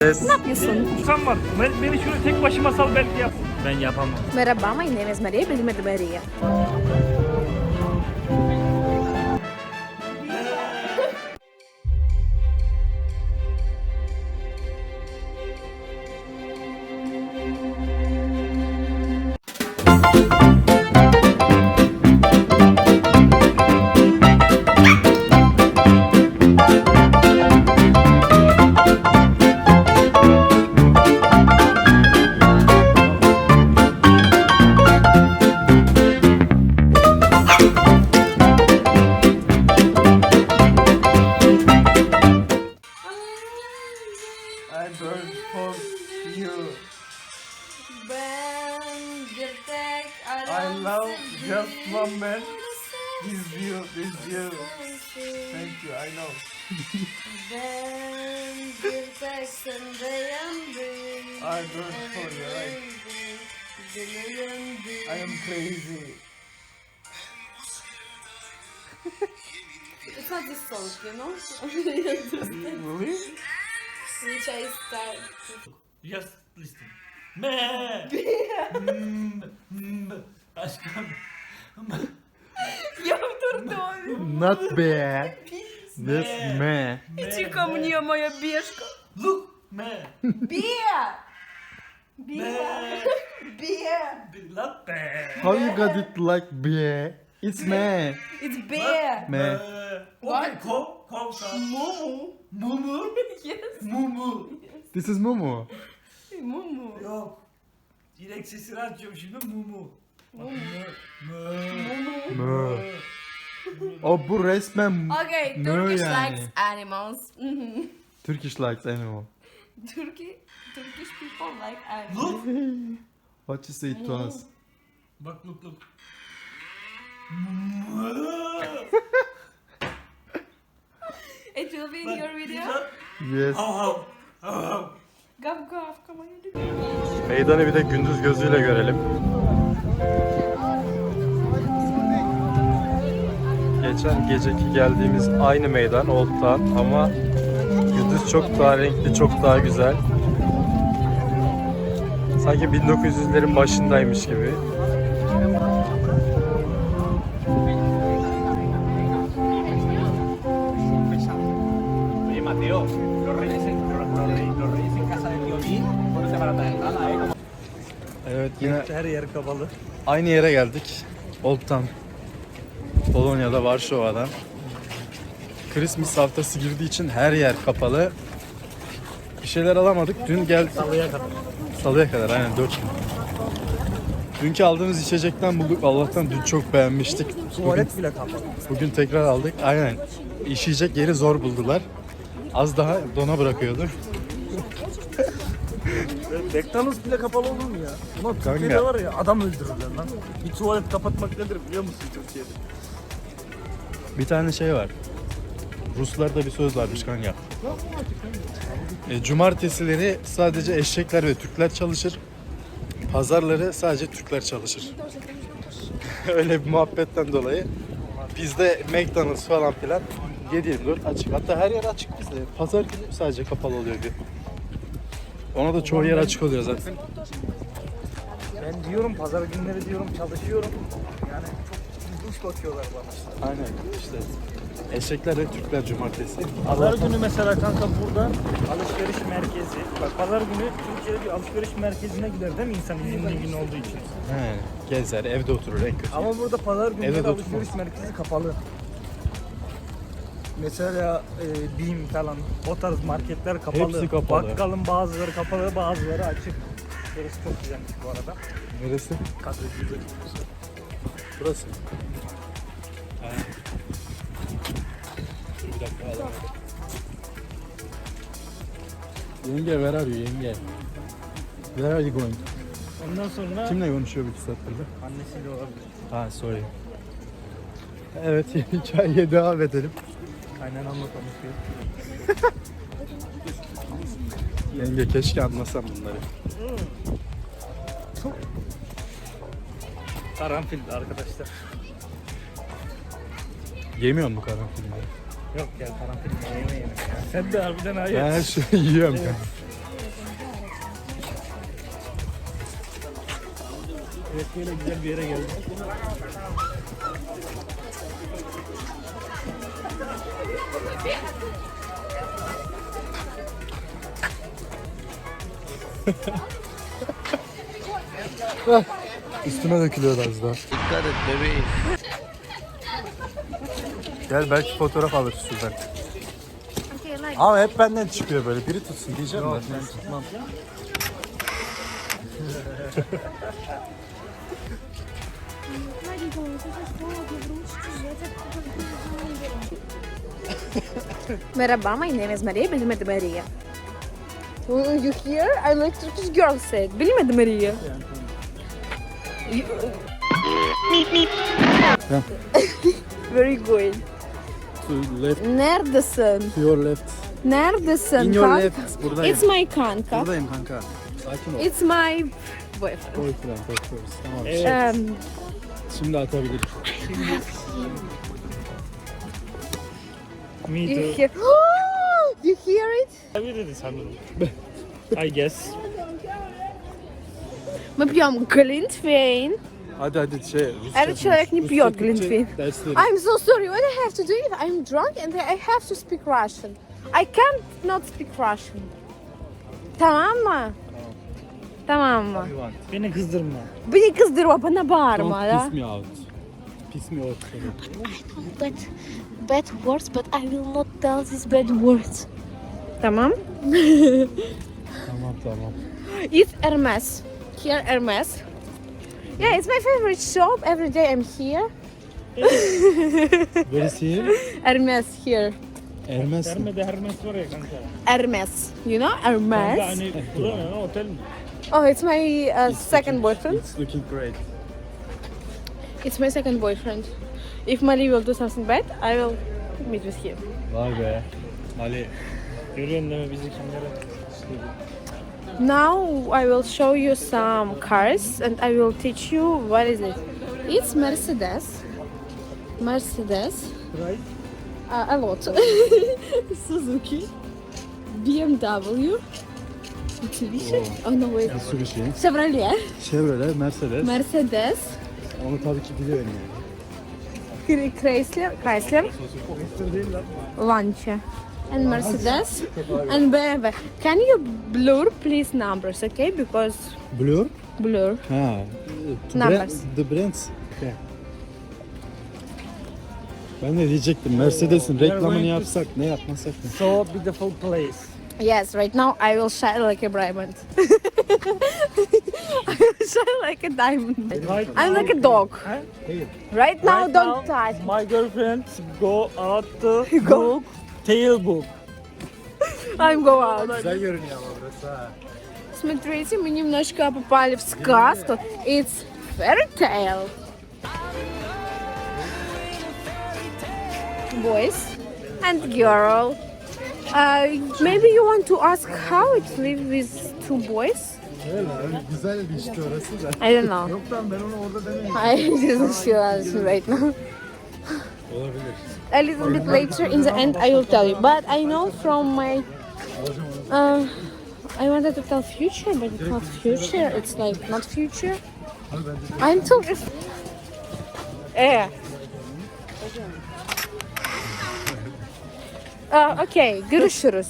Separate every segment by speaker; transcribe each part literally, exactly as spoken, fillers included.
Speaker 1: Yes.
Speaker 2: Ne yapıyorsun?
Speaker 3: Sen var. Ben, beni şunu tek başıma sal belki yap. Ben yapamam.
Speaker 2: Merhaba, my name is Maria, beli Maria.
Speaker 3: I burn for you.
Speaker 2: Ben bir tek
Speaker 3: I love just one man. This you, this you. Thank you, I know.
Speaker 2: Ben bir tek sendeyim.
Speaker 3: I burn for you, right? I am crazy.
Speaker 2: It's not this song, you know?
Speaker 3: Really?
Speaker 2: Which I start.
Speaker 3: Just listen. Me. Mm, mm, Aşkım.
Speaker 2: Я вдурную.
Speaker 1: Not bad. This me.
Speaker 2: Иди ко мне, моя бешка.
Speaker 3: Look. Me.
Speaker 2: Бе! Бе! Бе!
Speaker 3: Not bad.
Speaker 1: How you got it like be? It's me.
Speaker 2: It's bear.
Speaker 1: Me.
Speaker 3: Okay, kov, kov sa.
Speaker 2: Mumu.
Speaker 3: Mumu.
Speaker 2: Yes.
Speaker 3: Mumu.
Speaker 1: This is Momo.
Speaker 2: Mumu.
Speaker 3: Yok. Direkt sesini açıyorum şimdi mumu. Mumu.
Speaker 1: Mö. O bu resmen
Speaker 2: Okay,
Speaker 1: mö
Speaker 2: Turkish
Speaker 1: yani.
Speaker 2: likes animals. Mhm.
Speaker 1: Turkish likes animal.
Speaker 2: Turkey, Turkish people like animals.
Speaker 3: Look.
Speaker 1: What you say to us?
Speaker 3: Bak look look.
Speaker 2: It will be in your video.
Speaker 1: Yes.
Speaker 3: Hav hav. Hav hav.
Speaker 2: Gav gav, come on.
Speaker 1: Meydanı bir de gündüz gözüyle görelim. Geçen geceki geldiğimiz aynı meydan Old Town ama gündüz çok daha renkli, çok daha güzel. Sanki bin dokuz yüzlerin başındaymış gibi.
Speaker 4: Oye, Mateo, los reyes, en, los, los reyes, los reyes en casa del violín, no se van a traer nada, ¿eh? Como...
Speaker 1: Evet, yine
Speaker 3: Her yer kapalı.
Speaker 1: aynı yere geldik. Old Town. Polonya'da, Varşova'da. Christmas haftası girdiği için her yer kapalı. Bir şeyler alamadık. Dün geldik.
Speaker 3: Salıya kadar.
Speaker 1: Salıya kadar aynen dört gün. Dünkü aldığımız içecekten bulduk. Allah'tan dün çok beğenmiştik. Bugün,
Speaker 3: Tuvalet bile kapalı.
Speaker 1: bugün tekrar aldık. Aynen. İşeyecek yeri zor buldular. Az daha dona bırakıyordu.
Speaker 3: McDonald's bile kapalı olur mu ya? Ulan
Speaker 1: Kanka.
Speaker 3: Türkiye'de var ya adam öldürürler lan. Bir tuvalet kapatmak nedir biliyor musun Türkiye'de?
Speaker 1: Bir tane şey var. Ruslarda bir söz varmış kanka. E, cumartesileri sadece eşekler ve Türkler çalışır. Pazarları sadece Türkler çalışır. Öyle bir muhabbetten dolayı bizde McDonald's falan filan yedi yirmi dört açık. Hatta her yer açık bizde. Pazar günü sadece kapalı oluyor bir. Ona da çoğu yer açık oluyor zaten.
Speaker 3: Ben diyorum pazar günleri diyorum çalışıyorum. Yani çok duş bakıyorlar bana.
Speaker 1: Aynen işte. Eşekler ve Türkler cumartesi.
Speaker 3: Pazar günü mesela kanka burada alışveriş merkezi. Bak pazar günü Türkiye'de bir alışveriş merkezine gider değil mi insan izinli gün olduğu için?
Speaker 1: He, gezer, evde oturur en kötü.
Speaker 3: Ama burada pazar günleri
Speaker 1: Evde de
Speaker 3: alışveriş
Speaker 1: oturmaz.
Speaker 3: merkezi kapalı. Mesela e, BİM falan o tarz marketler kapalı.
Speaker 1: Hepsi kapalı.
Speaker 3: Bakkalın bazıları kapalı bazıları açık. Burası çok güzelmiş bu arada.
Speaker 1: Neresi?
Speaker 3: Kadıköy'de.
Speaker 1: Burası. Bir dakika alalım. Yenge, where are you yenge? Where are you going?
Speaker 3: Ondan sonra
Speaker 1: Kimle konuşuyor bir iki saattir de?
Speaker 3: annesiyle olabilir.
Speaker 1: Ha, sorry. Evet, hikayeye devam edelim.
Speaker 3: Kaynanamla konuşuyor.
Speaker 1: Yenge keşke anlasam bunları.
Speaker 3: Karanfil arkadaşlar.
Speaker 1: Yemiyor mu karanfilini?
Speaker 3: Yok ya karanfil yeme yeme. Sen de harbiden hayır.
Speaker 1: Ben her şeyi yiyorum kanka.
Speaker 3: Evet, böyle güzel bir yere geldik.
Speaker 1: Üstüme dökülüyor az daha.
Speaker 4: Dikkat et bebeğim.
Speaker 1: Gel belki fotoğraf alır şuradan.
Speaker 2: Okay, like
Speaker 1: Ama hep benden çıkıyor böyle. Biri tutsun diyeceğim de.
Speaker 3: Ben tutmam.
Speaker 2: Merhaba, my name is Maria. Bilmedi Maria. You hear? I like Turkish girl said. Bilmedi Maria. Very good.
Speaker 1: To left,
Speaker 2: Neredesin?
Speaker 1: to your left.
Speaker 2: Neredesin?
Speaker 1: In your
Speaker 2: kanka?
Speaker 1: left. Buradayım.
Speaker 2: It's my kanka.
Speaker 1: Buradayım kanka. Sakin ol.
Speaker 2: It's my boyfriend.
Speaker 1: Boyfriend, of course. Tamam.
Speaker 3: Evet.
Speaker 2: Um,
Speaker 1: Şimdi atabilirim.
Speaker 3: Me
Speaker 2: you
Speaker 3: too.
Speaker 2: hear? You hear it?
Speaker 3: Tabii dedi sanırım. I guess.
Speaker 2: Мы пьем глинтвейн.
Speaker 1: Hadi hadi şey. Rusça
Speaker 2: Evet, человек не
Speaker 1: konuş.
Speaker 2: пьет
Speaker 1: Rusça, Türkçe
Speaker 2: глинтвейн.
Speaker 1: dersleri.
Speaker 2: I'm so sorry. What I have to do if I'm drunk and I have to speak Russian. I can't not speak Russian. Tamam mı? Tamam mı?
Speaker 1: You want.
Speaker 3: Beni kızdırma.
Speaker 2: Beni kızdırma, bana bağırma
Speaker 1: Don't
Speaker 2: ya.
Speaker 1: piss me out. Piss me out.
Speaker 2: Bad, bad words, but I will not tell these bad words. Tamam.
Speaker 1: Tamam tamam.
Speaker 2: It's Hermes. Here, Hermes. Yeah, it's my favorite shop. Every day I'm here.
Speaker 1: Where is he?
Speaker 2: Hermes here.
Speaker 1: Ermez mi?
Speaker 3: Dermede Hermes var ya kanka.
Speaker 2: Hermes. You know
Speaker 3: Kanka
Speaker 2: Hermes?
Speaker 3: hani bu da ne otel mi?
Speaker 2: Oh, it's my uh, second boyfriend.
Speaker 1: It's looking great.
Speaker 2: It's my second boyfriend. If Mali will do something bad, I will meet with him.
Speaker 1: Vay be. Ali.
Speaker 3: Görüyorsun değil mi bizi kimlere?
Speaker 2: Now I will show you some cars and I will teach you what is it. It's Mercedes. Mercedes.
Speaker 3: Right?
Speaker 2: Uh, a lot. Suzuki. B M W. Mitsubishi. Oh no wait.
Speaker 1: Mitsubishi.
Speaker 2: Chevrolet.
Speaker 1: Chevrolet, Mercedes.
Speaker 2: Mercedes.
Speaker 1: Onu tabii ki biliyorum yani.
Speaker 2: Chrysler. Chrysler. Lancia. And Mercedes. And B M W. Can you blur please numbers, okay? Because
Speaker 1: Blur?
Speaker 2: blur.
Speaker 1: Ha. The
Speaker 2: Numbers.
Speaker 1: brand- The brands. Okay. Ben de diyecektim Mercedes'in reklamını yapsak ne yapmasak ne?
Speaker 3: So beautiful place.
Speaker 2: Yes, right now I will shine like a diamond. I will shine like a diamond.
Speaker 3: Right
Speaker 2: I'm
Speaker 3: now-
Speaker 2: like a dog.
Speaker 3: Huh?
Speaker 2: Right now,
Speaker 3: Right
Speaker 2: don't
Speaker 3: now,
Speaker 2: touch.
Speaker 3: my girlfriend go out to
Speaker 2: Go.
Speaker 3: book, tail book.
Speaker 2: I'm go out.
Speaker 1: Güzel görünüyor ama burası ha.
Speaker 2: Смотрите, мы немножко попали в сказку. It's fairy tale. Boys and girl. Uh, maybe you want to ask how it live with two boys?
Speaker 1: Öyle öyle güzel bir işte orası da.
Speaker 2: I don't know.
Speaker 1: Yok lan ben onu orada demeyeyim.
Speaker 2: I just feel right now.
Speaker 1: Olabilir.
Speaker 2: A little bit later in the end I will tell you. But I know from my uh, I wanted to tell future, but it's not future. It's like not future. I'm talking. Yeah. Uh, okay, görüşürüz.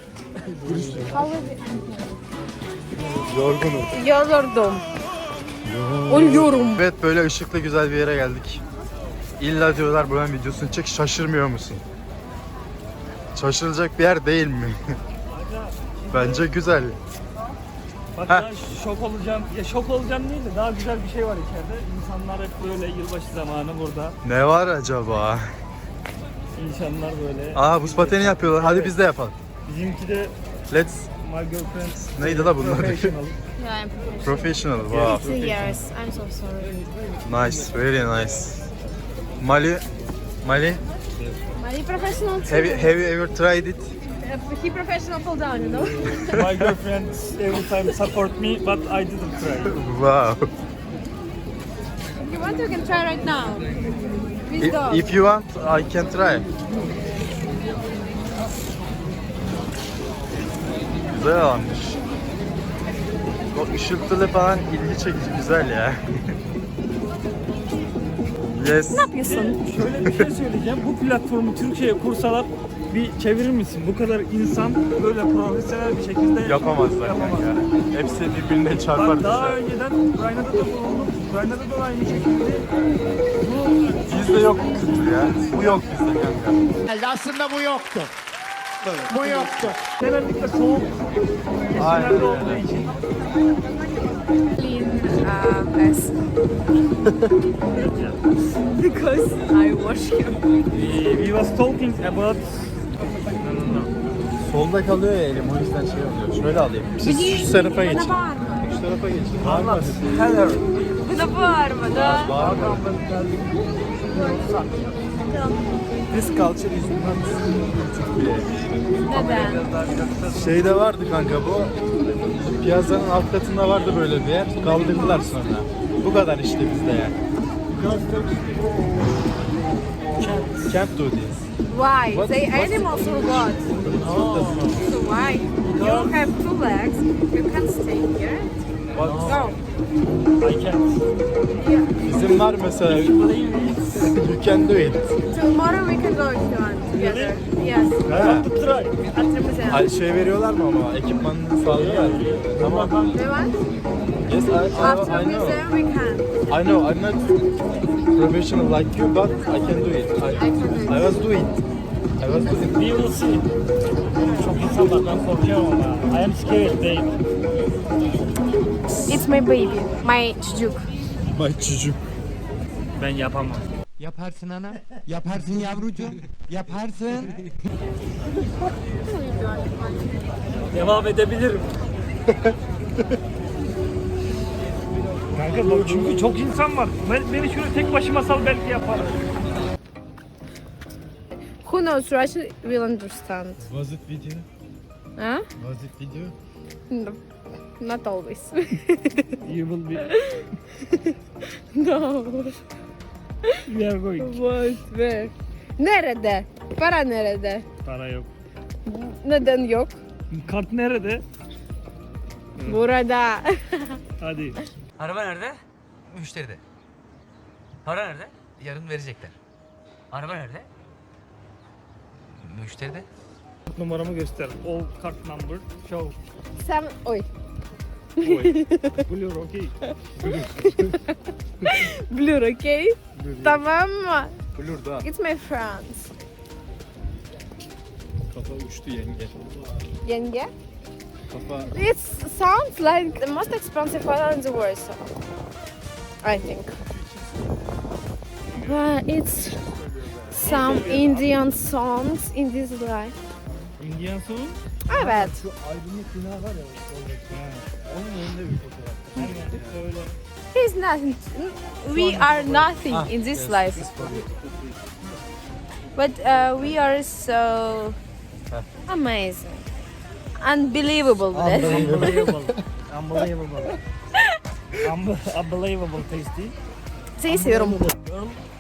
Speaker 1: Yorgunum.
Speaker 2: Yoruldum. Ölüyorum.
Speaker 1: Evet böyle ışıklı güzel bir yere geldik. İlla diyorlar buranın videosunu çek, şaşırmıyor musun? Şaşırılacak bir yer değil mi? Bence güzel.
Speaker 3: Bak
Speaker 1: Heh.
Speaker 3: ben şok olacağım. Ya şok olacağım değil de daha güzel bir şey var içeride. İnsanlar hep böyle yılbaşı zamanı burada.
Speaker 1: Ne var acaba?
Speaker 3: İnsanlar böyle.
Speaker 1: Aa buz pateni yapıyorlar. Hadi biz de yapalım.
Speaker 3: Bizimki de
Speaker 1: Let's.
Speaker 3: my girlfriend.
Speaker 1: Neydi la bunlar?
Speaker 3: Professional.
Speaker 2: Yeah, I'm
Speaker 1: Professional. Wow.
Speaker 2: Two years. I'm so sorry.
Speaker 1: Nice. Very nice. Mali. Mali.
Speaker 2: My professional too.
Speaker 1: Have you, have you ever tried it?
Speaker 2: He professional fall down, you know.
Speaker 3: My girlfriend every time support me, but I didn't try.
Speaker 1: Wow.
Speaker 2: If you want, you can try right now. Please
Speaker 1: If,
Speaker 2: go.
Speaker 1: if you want, I can try. Güzel almış. O ışıltılı falan ilgi çekici, güzel ya. Yes.
Speaker 2: Ne yapıyorsun?
Speaker 3: Şöyle bir şey söyleyeceğim. Bu platformu Türkiye'ye kursalar bir çevirir misin? Bu kadar insan böyle profesyonel bir şekilde
Speaker 1: Yapamazlar
Speaker 3: yapamaz.
Speaker 1: kanka. Hepsi birbirine çarpar
Speaker 3: Bak daha
Speaker 1: düşer.
Speaker 3: önceden Ukrayna'da da bulundum. Ukrayna'da da aynı şekilde. Bu
Speaker 1: Bizde yok bu kültür ya. Bu yok bizde kanka.
Speaker 5: Aslında bu yoktu. Bu yoktu.
Speaker 3: genellikle soğuk
Speaker 1: Aynen
Speaker 3: kesimlerde
Speaker 1: öyle.
Speaker 3: olduğu için.
Speaker 2: Clean uh, mess. Because I wash him.
Speaker 3: We, we was talking about
Speaker 1: Solda kalıyor ya elim o yüzden şey oluyor. Şöyle alayım. Siz şu tarafa geçin. Şu tarafa geçin. Bağırma.
Speaker 3: Heather.
Speaker 2: Buna bağırma da.
Speaker 1: Bağırma. This culture is not Türkiye.
Speaker 2: Neden?
Speaker 1: Şeyde vardı kanka bu. Piyasanın alt katında vardı böyle bir yer. Kaldırdılar sonra. Bu kadar işte bizde yani. Can't do this.
Speaker 2: Why?
Speaker 1: What-
Speaker 2: They
Speaker 1: what-
Speaker 2: animals for what? So why? You have two legs. You can stay here.
Speaker 1: What?
Speaker 2: Go.
Speaker 3: I can't.
Speaker 2: Yeah.
Speaker 1: Bizim var mesela. You can do it.
Speaker 2: Tomorrow we can go if you want together. Yes.
Speaker 1: Ha.
Speaker 3: Try.
Speaker 2: At the museum.
Speaker 1: Ay, şey veriyorlar mı ama ekipmanını sağlıyorlar. Tamam.
Speaker 2: Do you want?
Speaker 1: Yes, I, I,
Speaker 2: After
Speaker 1: I know.
Speaker 2: museum we can.
Speaker 1: I know. I'm not professional like you, but I can do it. I,
Speaker 2: I can do it.
Speaker 1: I was doing. I was doing.
Speaker 3: We will see. Çok insanlardan korkuyorum ama. I am scared değil.
Speaker 2: It's my baby. My çocuk.
Speaker 1: My çocuk.
Speaker 3: Ben yapamam.
Speaker 5: Yaparsın ana. Yaparsın yavrucuğum. Yaparsın.
Speaker 3: Devam edebilirim. Kanka bak çünkü çok insan var. Ben, beni şöyle tek başıma sal belki yaparım.
Speaker 2: Who knows Russian will understand.
Speaker 1: Was it video?
Speaker 2: Huh?
Speaker 1: Was it video?
Speaker 2: No. Not always.
Speaker 3: You will be.
Speaker 2: No.
Speaker 3: We are going.
Speaker 2: What? Where? Nerede? Para nerede?
Speaker 3: Para yok.
Speaker 2: Neden yok?
Speaker 3: Kart nerede?
Speaker 2: Burada.
Speaker 3: Hadi.
Speaker 6: Araba nerede? Müşteride. Para nerede? Yarın verecekler. Araba nerede? Müşteride.
Speaker 3: Numaramı göster. All card number. Show.
Speaker 2: Sen oy.
Speaker 3: Blue okay.
Speaker 2: Blur, okay? Tamam mı?
Speaker 1: Blur da.
Speaker 2: It's my friends.
Speaker 1: Kafa uçtu yenge.
Speaker 2: Yenge?
Speaker 1: Kafa.
Speaker 2: It sounds like the most expensive hotel in the world. So I think. But it's some Indian songs in this life.
Speaker 3: Indian song.
Speaker 2: Evet.
Speaker 1: Şu aydınlık bina var ya oradaki. Onun önünde bir fotoğraf.
Speaker 3: Öyle.
Speaker 2: He's nothing. We are nothing
Speaker 1: Ah,
Speaker 2: in this
Speaker 1: yes,
Speaker 2: life.
Speaker 1: this is for you.
Speaker 2: But uh, we are so amazing. Unbelievable. bless.
Speaker 3: Unbelievable. Unbelievable. Unbe- Unbelievable tasty.
Speaker 2: Seni seviyorum.
Speaker 3: Girl,